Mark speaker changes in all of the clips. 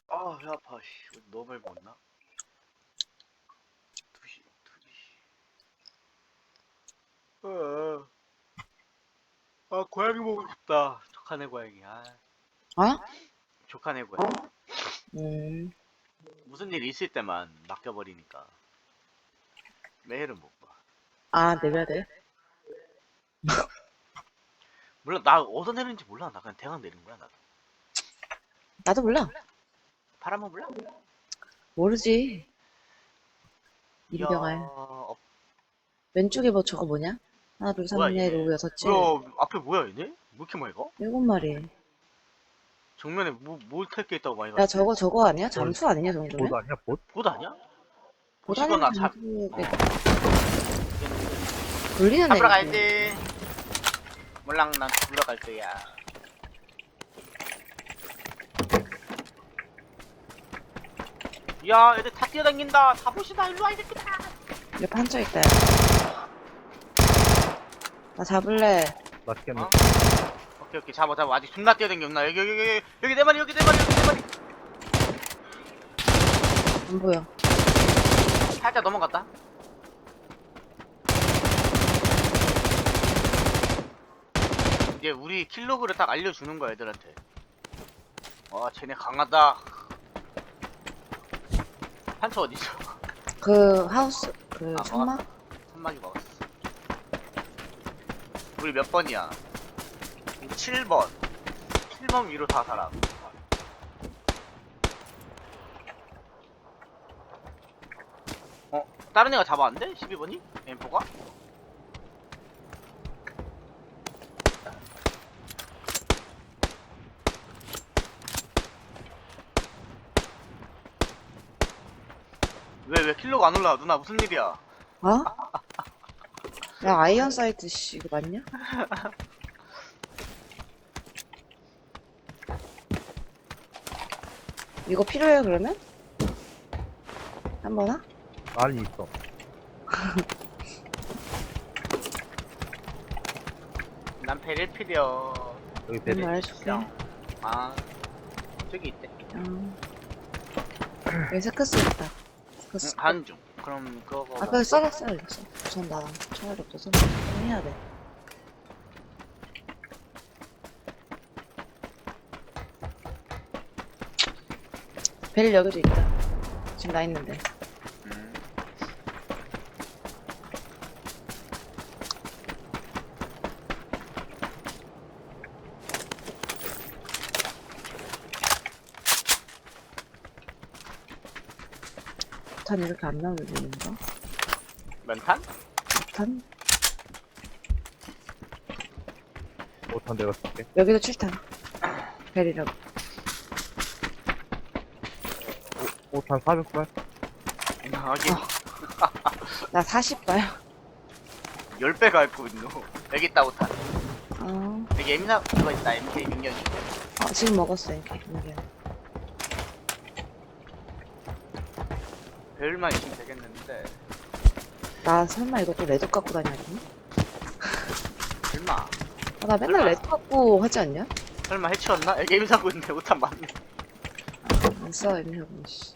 Speaker 1: 아, 배 아파. 씨. 너무 많이 먹었나? 2시, 2시. 고양이 보고 싶다. 족하네 고양이.
Speaker 2: 어?
Speaker 1: 족하네 고양이.
Speaker 2: 음,
Speaker 1: 무슨 일 있을 때만 맡겨버리니까 매일은 못 봐.
Speaker 2: 내려야 돼?
Speaker 1: 몰라, 나 어디서 내리는지 몰라. 나 그냥 대강 내린 거야, 나도.
Speaker 2: 나도 몰라.
Speaker 1: 바람은 몰라?
Speaker 2: 모르지.
Speaker 1: 이야,
Speaker 2: 이리병할. 왼쪽에 뭐 저거 뭐냐? 하나, 둘,
Speaker 1: 뭐야,
Speaker 2: 셋, 넷,
Speaker 1: 얘네.
Speaker 2: 오, 여섯, 칠.
Speaker 1: 뭐야, 앞에 뭐야, 얘네? 왜 이렇게 많이 가?
Speaker 2: 일곱 마리.
Speaker 1: 정면에 뭘 탈 게 있다고 많이
Speaker 2: 야,
Speaker 1: 가는데?
Speaker 2: 저거 아니야? 잠수 아니냐, 정도면?
Speaker 3: 보드 아니야, 봇?
Speaker 1: 보드 아니야?
Speaker 2: 보다니면
Speaker 1: 보시거나
Speaker 2: 잠수에 돌리는
Speaker 1: 잡으러
Speaker 2: 애지.
Speaker 1: 가야지. 몰랑 난 잡으러 갈 거야. 야, 애들 다 뛰어다닌다. 잡으시다. 일로 와, 이 새끼다.
Speaker 2: 옆에 한쪽 있다, 야. 나 잡을래.
Speaker 3: 맛있겠네.
Speaker 1: 어? 오케이, 잡아. 아직 존나 뛰어다녔나? 여기 내 마리, 여기 내 마리.
Speaker 2: 안 보여.
Speaker 1: 살짝 넘어갔다. 이제 우리 킬로그를 딱 알려주는 거야, 애들한테. 와, 쟤네 강하다. 판처 어디있어?
Speaker 2: 그, 하우스, 그,
Speaker 1: 아,
Speaker 2: 천막?
Speaker 1: 선막이 먹었어. 우리 몇 번이야? 7번. 7번 위로 다 살아. 다른 애가 잡았는데? 12번이? M4가? 왜 킬로가 안 올라와? 누나 무슨 일이야?
Speaker 2: 어? 야, 아이언 사이트, 씨, 이거 맞냐? 이거 필요해, 그러면? 한 번 하?
Speaker 3: 많이 있어.
Speaker 1: 난 베릴 필요.
Speaker 3: 여기 배리.
Speaker 2: 말해줄게.
Speaker 1: 아, 저기 있대.
Speaker 2: 여기 스크스 있다. 스크스.
Speaker 1: 가는 중. 그럼 그거.
Speaker 2: 그래, 써야겠어. 우선 나 총알이 없어서 좀 해야 돼. 벨 여기도 있다. 지금 나 있는데.
Speaker 1: 음.
Speaker 2: 탄 이렇게 안 나오는 이유인가?
Speaker 1: 면탄?
Speaker 2: 탄?
Speaker 3: 못한 내가 쓸게.
Speaker 2: 여기도 7탄. 벨이라고.
Speaker 3: 5탄 400발?
Speaker 1: 하긴
Speaker 2: 나 40발.
Speaker 1: 10배가 있고 있노. 여기 있다, 오탄. 여기 M4 그거 있다, MK 6년.
Speaker 2: 지금 먹었어, 이렇게.
Speaker 1: 배율만 있으면 되겠는데.
Speaker 2: 나 설마 이것도 레드 갖고 다녀야겠니?
Speaker 1: 설마.
Speaker 2: 나 맨날 레드 갖고 하지 않냐?
Speaker 1: 설마 해치웠나? 여기 M4고 있는데 오탄 맞네.
Speaker 2: 안 써, 애매하고, 씨.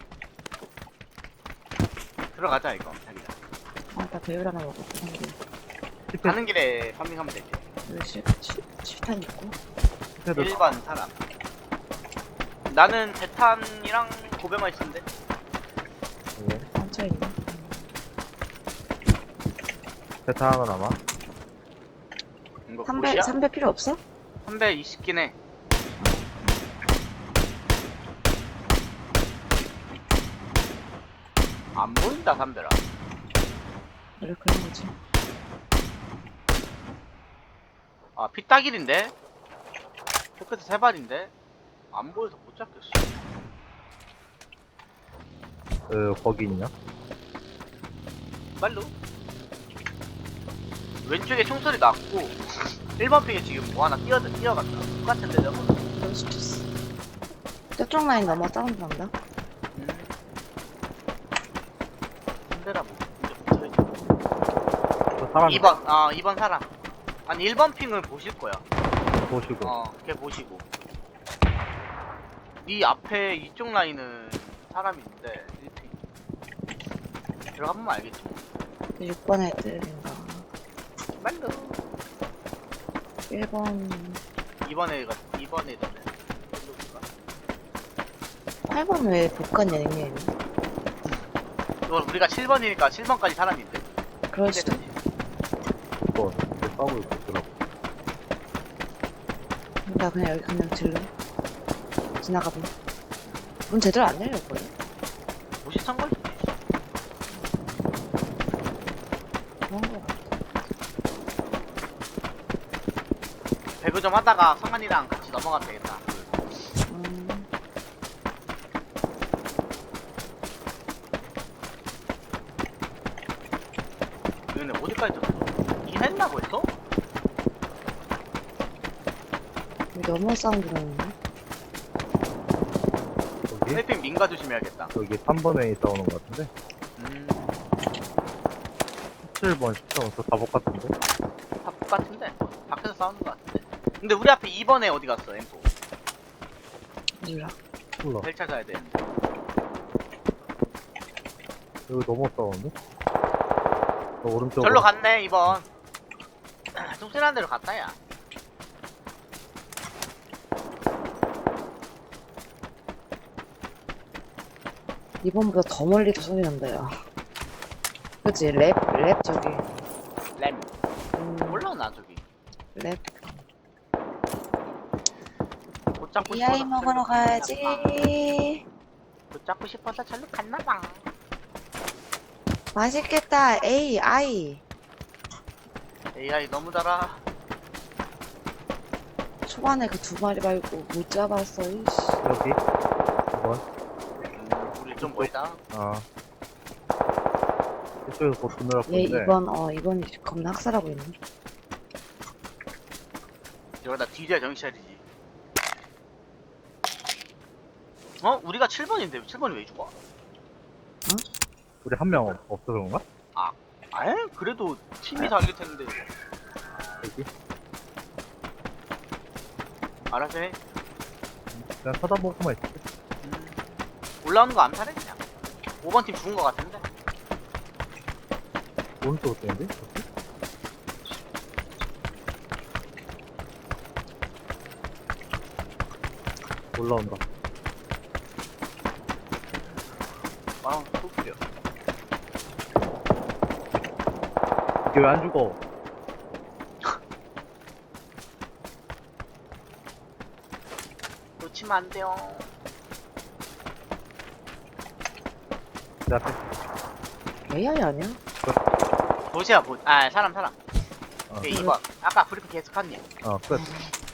Speaker 1: 들어가자, 이거. 자기야.
Speaker 2: 나 배율 하나 먹었고, 한 개.
Speaker 1: 가는 길에 파밍하면 되지.
Speaker 2: 여기 7탄 있고.
Speaker 1: 1번 사람. 나는 대탄이랑 고배만 있으면 돼.
Speaker 2: 한차 있네.
Speaker 3: 대타 하나 남아.
Speaker 1: 이거
Speaker 2: 3배,
Speaker 1: 보시야?
Speaker 2: 3배 필요 없어?
Speaker 1: 320긴 해. 안 보인다, 3배라.
Speaker 2: 그래, 그런 거지.
Speaker 1: 아, 피따길인데? 저 끝에 3발인데? 안 보여서 못 잡겠어.
Speaker 3: 거기 있냐?
Speaker 1: 빨로. 왼쪽에 총소리 났고, 1번 핑에 지금 뭐 하나 뛰어갔다. 똑같은데, 저거?
Speaker 2: 그럴 수도 있어. 저쪽 라인 넘어 다운드 난다.
Speaker 1: 3배라 뭐. 이제 붙어있지.
Speaker 3: 저 사람
Speaker 1: 2번 사람. 아니 1번 핑을 보실 거야.
Speaker 3: 보시고.
Speaker 1: 걔 보시고. 네 앞에 이쪽 라인은 사람이 있는데 1핑 들어가보면 알겠지.
Speaker 2: 6번 애들인가.
Speaker 1: 말로
Speaker 2: 1번,
Speaker 1: 2번에 되네.
Speaker 2: 8번 왜 복간 여행이에요?
Speaker 1: 이건 우리가 7번이니까 7번까지 사람이 있대.
Speaker 2: 그럴 수도.
Speaker 3: 이거 이제 싸우고 있고 들어.
Speaker 2: 나 그냥 여기 그냥 질러. 지나가보. 문 제대로 안 열렸거든?
Speaker 1: 무시한 걸 수도 있어.
Speaker 2: 그런 거 같아.
Speaker 1: 배그 좀 하다가 성환이랑 같이 넘어가면 되겠다.
Speaker 2: 음,
Speaker 1: 얘네 어디까지 졌어? 이했나 벌써?
Speaker 2: 여기 너무 사운드 나는데?
Speaker 3: 여기?
Speaker 1: 헬핑 민가 조심해야겠다.
Speaker 3: 여기 3번에 싸우는 것 같은데? 17번, 10번, 저 다복 같은데?
Speaker 1: 다 똑같은데? 밖에서 싸우는 거 같은데? 근데 우리 앞에 2번에 어디 갔어, M4?
Speaker 2: 몰라.
Speaker 3: 몰라.
Speaker 1: 벨 찾아야 되는데.
Speaker 3: 여기 너무 싸우는데? 저 오른쪽으로.
Speaker 1: 절로 갔네, 2번. 뚱신한 데로 갔다, 야.
Speaker 2: 이번보다 더 멀리도 소리 난다, 야. 그치? 랩 저기.
Speaker 1: 램.
Speaker 2: 음,
Speaker 1: 올라오나, 저기.
Speaker 2: 랩.
Speaker 1: 못 잡고
Speaker 2: 이 아이
Speaker 1: 싶어서
Speaker 2: 먹으러
Speaker 1: 절로 갔나봐.
Speaker 2: 가야지.
Speaker 1: 못 잡고 싶어서 절로 갔나봐.
Speaker 2: 맛있겠다. 에이, 아이.
Speaker 1: AI 너무 달아.
Speaker 2: 초반에 그 2마리 말고 못 잡았어, 이씨.
Speaker 3: 여기? 2번?
Speaker 1: 우리 좀 멀다.
Speaker 3: 아. 이쪽에서 곧 드느라
Speaker 2: 얘
Speaker 3: 보는데.
Speaker 2: 2번이 겁나 학살하고 있네.
Speaker 1: 이러다 뒤져야 정신 차리지. 어? 우리가 7번인데 7번이 왜 죽어?
Speaker 3: 우리 한 명 없어 그런가?
Speaker 1: 아예? 그래도 팀이 달릴 텐데.
Speaker 3: 여기?
Speaker 1: 알아서 해.
Speaker 3: 그냥 쳐다보고만 있을게.
Speaker 1: 올라오는 거 암살해 그냥. 5번 팀 죽은 거 같은데.
Speaker 3: 오른쪽으로 뛰는데? 올라온다.
Speaker 1: 아, 또
Speaker 3: 이게 왜 안 죽어?
Speaker 1: 놓치면 안 돼요.
Speaker 3: 내 앞에.
Speaker 2: AI 아니야?
Speaker 1: 도시야 뭐? 아 사람.
Speaker 3: 어.
Speaker 1: 오케이 2번. 아까 브리핑 계속 한니.
Speaker 3: 끝.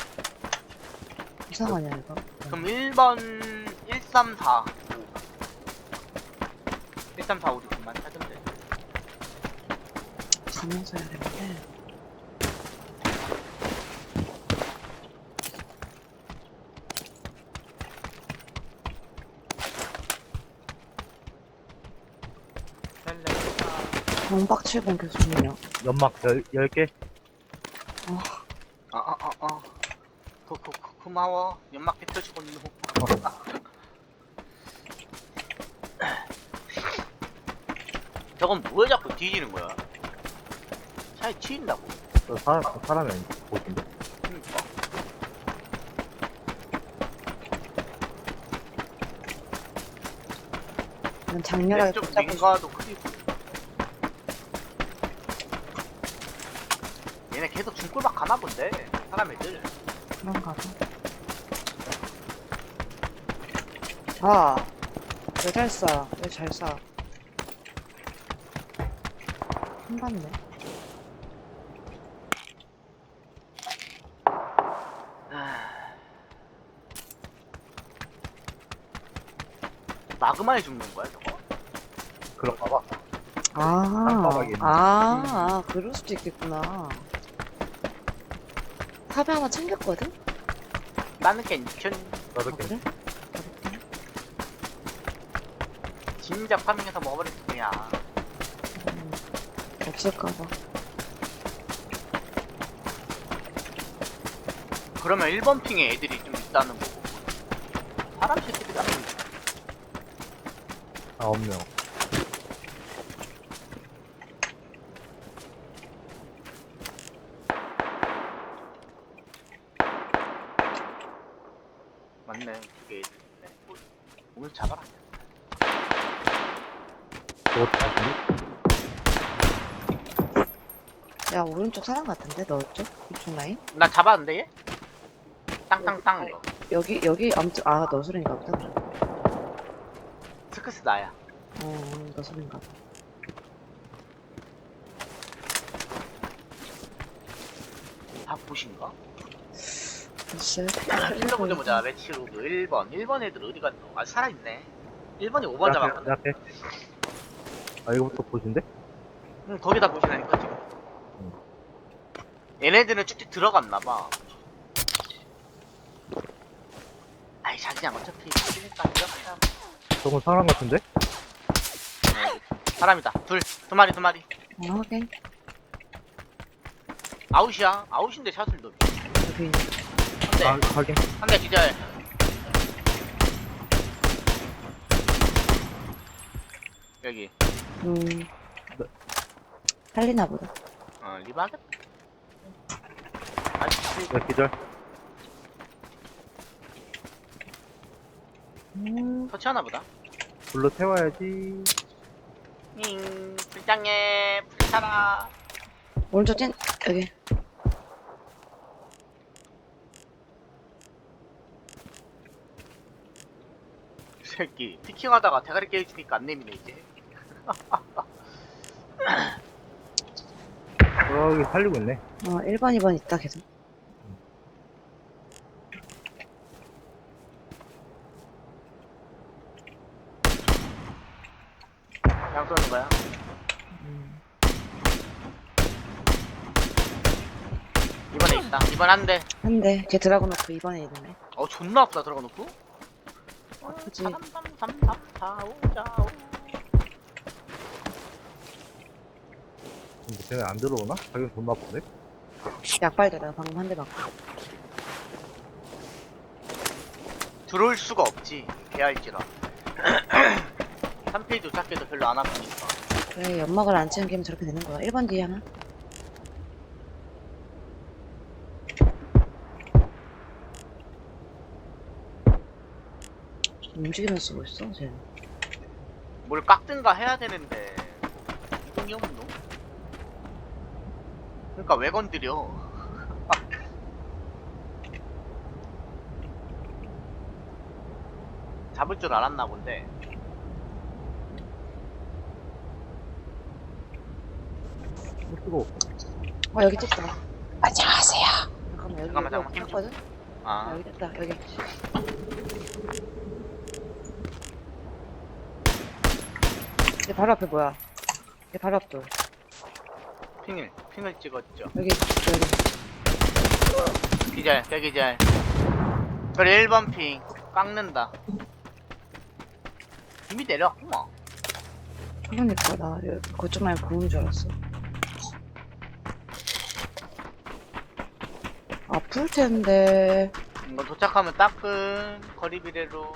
Speaker 2: 이상하냐, 이거?
Speaker 1: 그럼 1번 134. 134 우리 그만 찾으면 돼.
Speaker 2: 가면서 해야 되는데. 경박 7번 계속 중이야.
Speaker 3: 연막 10개?
Speaker 1: 고마워. 연막 뱉어주고 있노. 저건 뭐에 자꾸 뒤지는 거야? 차에 튀인다고.
Speaker 3: 사람이 아닌데, 보신데?
Speaker 1: 그러니까.
Speaker 2: 난 장렬하게
Speaker 1: 좀
Speaker 2: 붙잡고
Speaker 1: 민가도 크리고. 얘네 계속 중골박 가나 본데. 사람 애들.
Speaker 2: 그런가 봐. 자, 왜 잘 쏴? 왜 잘 쏴? 한봤네.
Speaker 1: 마그마에 죽는 거야 저거?
Speaker 3: 그런가 봐.
Speaker 2: 아,
Speaker 3: 깜빡하게 있네.
Speaker 2: 그럴 수도 있겠구나. 탑에 하나 챙겼거든?
Speaker 1: 나는 괜찮.
Speaker 3: 나도
Speaker 2: 아, 그래?
Speaker 1: 진작 파밍해서 먹어버릴 거야.
Speaker 2: 없을까봐.
Speaker 1: 그러면 1번 핑에 애들이 좀 있다는 거고. 사람 새끼들이 안 보이네.
Speaker 3: 9명.
Speaker 1: 맞네. 그게 네. 오늘 잡아라.
Speaker 3: 그거 다시니?
Speaker 2: 야, 오른쪽 사람 같은데? 너 쪽? 이쪽 라인?
Speaker 1: 나 잡았는데 얘? 땅땅땅 이거.
Speaker 2: 여기 아무튼 너 소린가 보다. 그래.
Speaker 1: 스크스 나야.
Speaker 2: 너 소린가 보다.
Speaker 1: 박보신가?
Speaker 2: 글쎄.
Speaker 1: 킬러 먼저 보자. 매치로그 1번. 1번 애들 어디 갔노? 아 살아있네. 1번이 5번 잡았거든.
Speaker 3: 내 앞에. 아, 이거부터 보신데?
Speaker 1: 응, 거기다 보시라니까 지금. 얘네들은 쭉쭉 들어갔나봐. 아이 자기장 어차피 죽으니까 들어가자.
Speaker 3: 저건 사람 같은데?
Speaker 1: 사람이다. 두 마리.
Speaker 2: 확인.
Speaker 1: 아웃이야. 아웃인데 샷을 넣어.
Speaker 2: 여기.
Speaker 3: 아, 확인.
Speaker 1: 한 대 기절. 여기.
Speaker 2: 살리나 보다.
Speaker 1: 리바겠? 아직
Speaker 3: 야, 기절.
Speaker 1: 터치하나 보다.
Speaker 3: 불로 태워야지.
Speaker 1: 불장해. 불타라.
Speaker 2: 오른쪽 찐, 여기.
Speaker 1: 이 새끼. 피킹하다가 대가리 깨지니까 안 내미네 이제.
Speaker 3: 여기 살리고 있네.
Speaker 2: 1번, 2번 있다, 계속.
Speaker 1: 그냥 쏘는 거야. 이번에 있다. 이번 한 대.
Speaker 2: 한 대. 걔 드라곤 놓고 2번에 있네.
Speaker 1: 존나 아프다 들어가 놓고.
Speaker 2: 아프지.
Speaker 1: 3333455.
Speaker 3: 근데 쟤네 안 들어오나? 자기는 존나 아픈데?
Speaker 2: 약발대 내가 방금 한 대 맞고.
Speaker 1: 들어올 수가 없지. 개알지라. 3페이지 작게도 별로 안 아프니까.
Speaker 2: 그래, 연막을 안 치는 게임 저렇게 되는 거야. 1번 뒤에 하나. 움직이면서 쓰고 있어, 쟤.
Speaker 1: 뭘 깎든가 해야 되는데 이동이 없노? 그러니까 왜 건드려? 잡을 줄 알았나 본데.
Speaker 3: 못 쓰고.
Speaker 2: 여기 떴다. 안녕하세요. 잠깐만, 여기
Speaker 1: 잠깐만, 힘 좀.
Speaker 2: 떴거든?
Speaker 1: 아,
Speaker 2: 여기 떴다, 여기. 얘 바로 앞에 뭐야? 얘 바로 앞도.
Speaker 1: 핑을 찍었죠.
Speaker 2: 여기.
Speaker 1: 기절, 기절. 그래 1번 핑 깎는다. 이미 내려왔구만.
Speaker 2: 그러니까 나 그쪽 라인 보는 줄 알았어. 아플 텐데.
Speaker 1: 이거 도착하면 따끈 거리 비례로.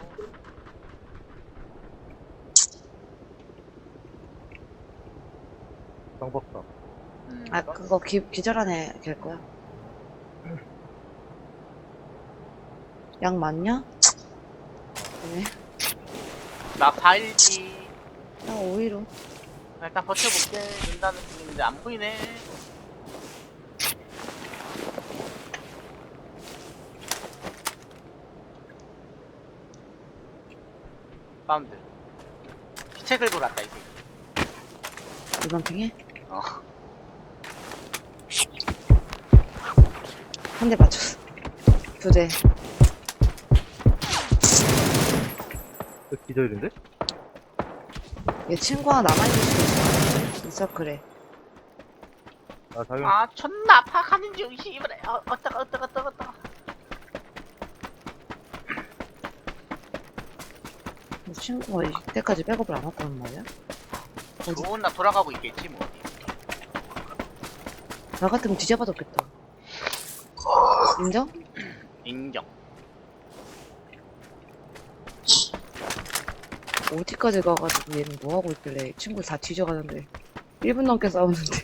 Speaker 3: 쌍박사.
Speaker 2: 그거 기절하네 될 거야. 약 맞냐? 네.
Speaker 1: 나 4일지.
Speaker 2: 나 5위로.
Speaker 1: 일단 버텨볼게. 눈다는 중인데 안 보이네. 사운드. 기체 긁고 났다 이제.
Speaker 2: 이번 핑에?
Speaker 1: 어.
Speaker 2: 한 대 맞췄어. 2대.
Speaker 3: 기절인데?
Speaker 2: 얘 친구가 남아있을 수도 있어. 있어, 그래.
Speaker 3: 아, 자기
Speaker 1: 아 존나 아파 가는 중 씨발에. 어따가.
Speaker 2: 친구가 이때까지 백업을 안 왔다는 말이야? 어디?
Speaker 1: 좋은 나 돌아가고 있겠지 뭐.
Speaker 2: 나 같으면 뒤잡아뒀겠다. 인정?
Speaker 1: 인정.
Speaker 2: 어디까지 가가지고 얘는 뭐하고 있길래 친구 다 뒤져가는데 1분 넘게 싸우는데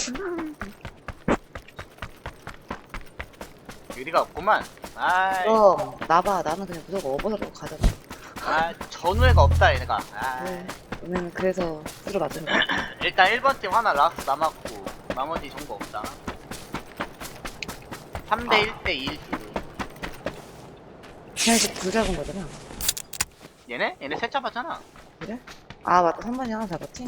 Speaker 1: 의리가 없구만. 아이,
Speaker 2: 그럼 나봐 나는 그냥 무조건 업어서라고 가잖아.
Speaker 1: 아, 전우애가 없다, 얘네가. 아,
Speaker 2: 네. 얘는 그래서 들어 맞은 거야.
Speaker 1: 일단 1번 팀 하나 라스트 남았고, 나머지 정보 없다. 3대 1대 2일 수도.
Speaker 2: 그냥 이제 불 잡은 거잖아.
Speaker 1: 얘네? 얘네 셋 잡았잖아.
Speaker 2: 그래? 아 맞다 3번이 하나 잡았지?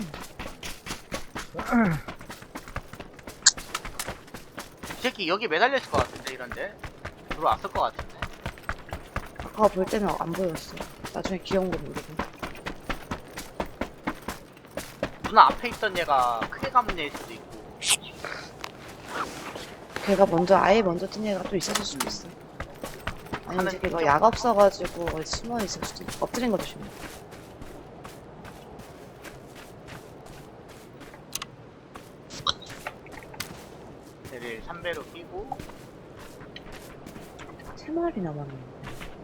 Speaker 1: 이 새끼 여기 매달렸을 것 같은데, 이런데? 들어왔을 것 같은데.
Speaker 2: 아까 볼 때는 안 보였어. 나중에 귀여운 거 모르고.
Speaker 1: 누나 앞에 있던 얘가 크게 감은 애일 수도 있고.
Speaker 2: 걔가 먼저 아예 먼저 뛴 애가 또 있었을 수도 있어. 아니
Speaker 1: 하는
Speaker 2: 이제 걔가
Speaker 1: 인정.
Speaker 2: 약 없어가지고 어디 숨어 있을 수도 있고. 엎드린 거 조심해.
Speaker 1: 얘를 3배로 끼고.
Speaker 2: 3마리 남았는데.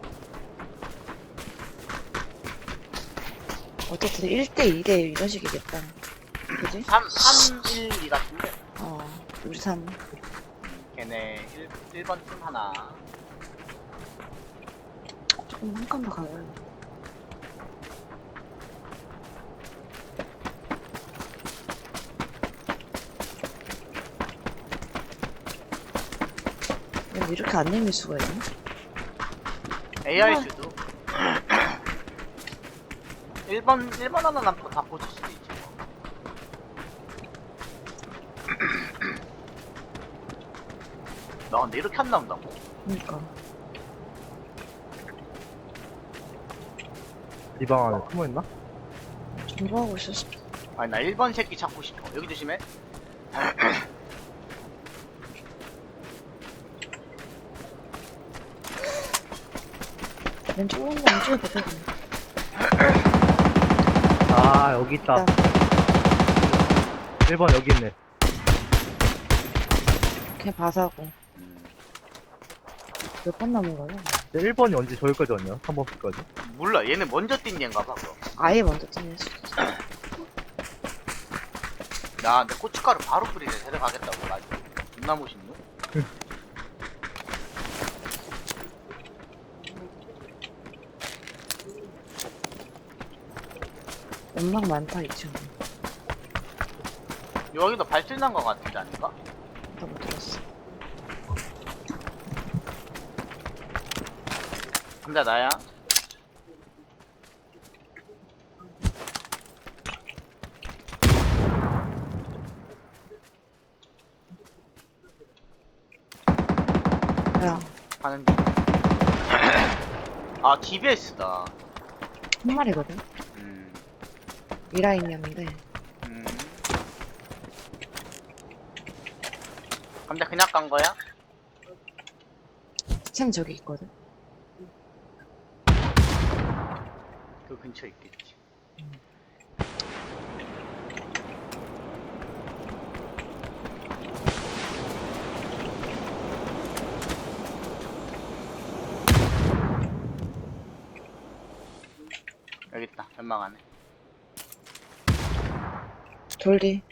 Speaker 2: 어쨌든 1대 2대 이런 식이겠다. 그지?
Speaker 1: 3, 1, 2 같은데.
Speaker 2: 우리 3.
Speaker 1: 걔네 1번 팀 하나.
Speaker 2: 조금 한 칸 더 가요. 야, 이렇게 안 내밀 수가 있나?
Speaker 1: AR
Speaker 2: 우와.
Speaker 1: 수도. 1번 하나 남고 다 보실 수도 있지. 나 근데 이렇게 안 나온다고?
Speaker 2: 그니까.
Speaker 3: 이 방 안에 숨어있나?
Speaker 2: 공부하고 있었어.
Speaker 1: 아니 나 1번 새끼 찾고 싶어. 여기 조심해.
Speaker 2: 왼쪽 오는 거 왼쪽에 보거든.
Speaker 3: 아, 여기 있다. 1번 여기 있네.
Speaker 2: 그냥 봐사고.
Speaker 1: 음,
Speaker 2: 몇 번 남은 거야?
Speaker 3: 1번이 언제 저기까지 왔냐? 3번까지?
Speaker 1: 몰라. 얘는 먼저 뛴 얘인가 봐. 그럼.
Speaker 2: 아예 먼저 뛰는 수도 있어.
Speaker 1: 나 근데 고춧가루 바로 뿌리네. 데려가겠다고. 나 존나 멋있노?
Speaker 2: 연막 많다, 이 친구.
Speaker 1: 여기도 발질 난 거 같은데 아닌가?
Speaker 2: 나 못 들었어.
Speaker 1: 근데 나야.
Speaker 2: 야,
Speaker 1: 하는 중. 아, DBS다.
Speaker 2: 한 마리거든?
Speaker 1: 음,
Speaker 2: 이 라인이었는데.
Speaker 1: 음. 근데 그냥 간 거야?
Speaker 2: 챔 저기 있거든?
Speaker 1: 그 근처에 있겠지. 여기 있다. 연막 안에.
Speaker 2: 돌리.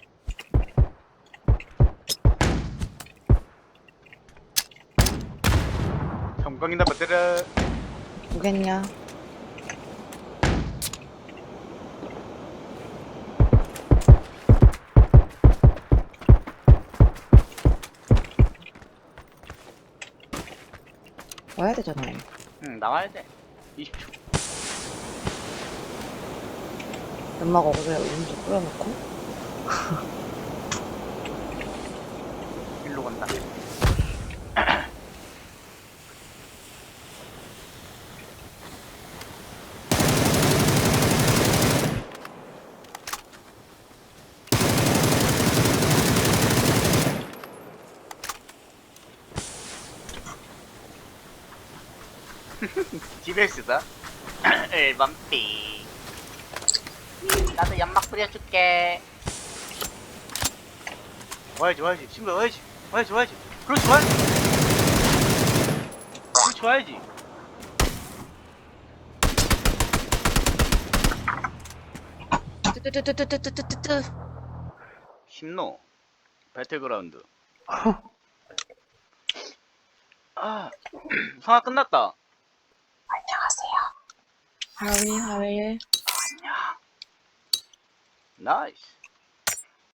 Speaker 1: 성광이나 받으라.
Speaker 2: 보겠냐? 와야 되잖아.
Speaker 1: 응, 나와야 돼. 20초.
Speaker 2: 연막 어그에 오른쪽 뿌려놓고.
Speaker 1: 일로 간다. DBS다. 1번 B. 나도 연막 뿌려줄게. 와야지, 와야지. 친구야, 와야지. 와야지, 와야지. 그렇지, 와야지. 그렇지, 와야지.
Speaker 2: 뚜뚜뚜뚜뚜뚜뚜뚜.
Speaker 1: 심노 배틀그라운드. 아 성화 끝났다.
Speaker 2: 안녕하세요. How are you?
Speaker 1: 나이스.